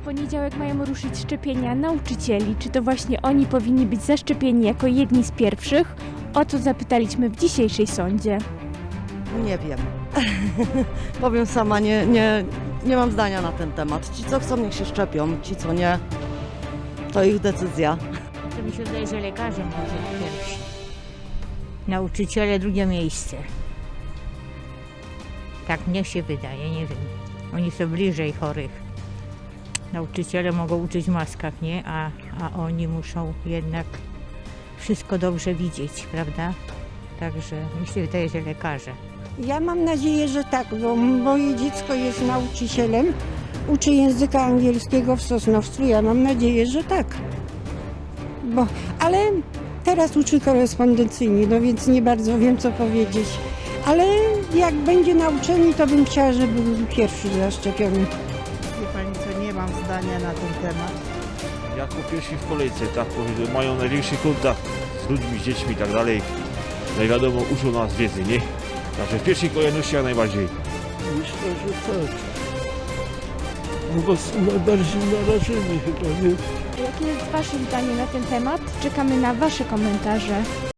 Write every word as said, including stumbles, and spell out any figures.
poniedziałek mają ruszyć szczepienia nauczycieli. Czy to właśnie oni powinni być zaszczepieni jako jedni z pierwszych? O to zapytaliśmy w dzisiejszej sądzie. Nie wiem. Powiem sama, nie, nie, nie mam zdania na ten temat. Ci, co chcą, niech się szczepią. Ci, co nie, to ich decyzja. To mi się wydaje, że lekarze może pierwsi. Nauczyciele drugie miejsce. Tak mnie się wydaje, nie wiem. Oni są bliżej chorych. Nauczyciele mogą uczyć w maskach, nie? A, a oni muszą jednak wszystko dobrze widzieć, prawda? Także mi się wydaje, że lekarze. Ja mam nadzieję, że tak, bo moje dziecko jest nauczycielem, uczy języka angielskiego w Sosnowcu. Ja mam nadzieję, że tak. Bo, ale teraz uczy korespondencyjnie, no więc nie bardzo wiem, co powiedzieć. Ale jak będzie na uczelni, to bym chciała, żeby był pierwszy zaszczepiony. Wie pani co, nie mam zdania na ten temat. Jako pierwsi w kolejce, tak powiedzmy, mają największy kontakt z ludźmi, z dziećmi i tak dalej. No i wiadomo, uczą nas wiedzy, nie? Także w pierwszej kolejności jak najbardziej. Myślę, że tak. Bo są najbardziej narażeni chyba, nie? Jakie jest Wasze zdanie na ten temat? Czekamy na Wasze komentarze.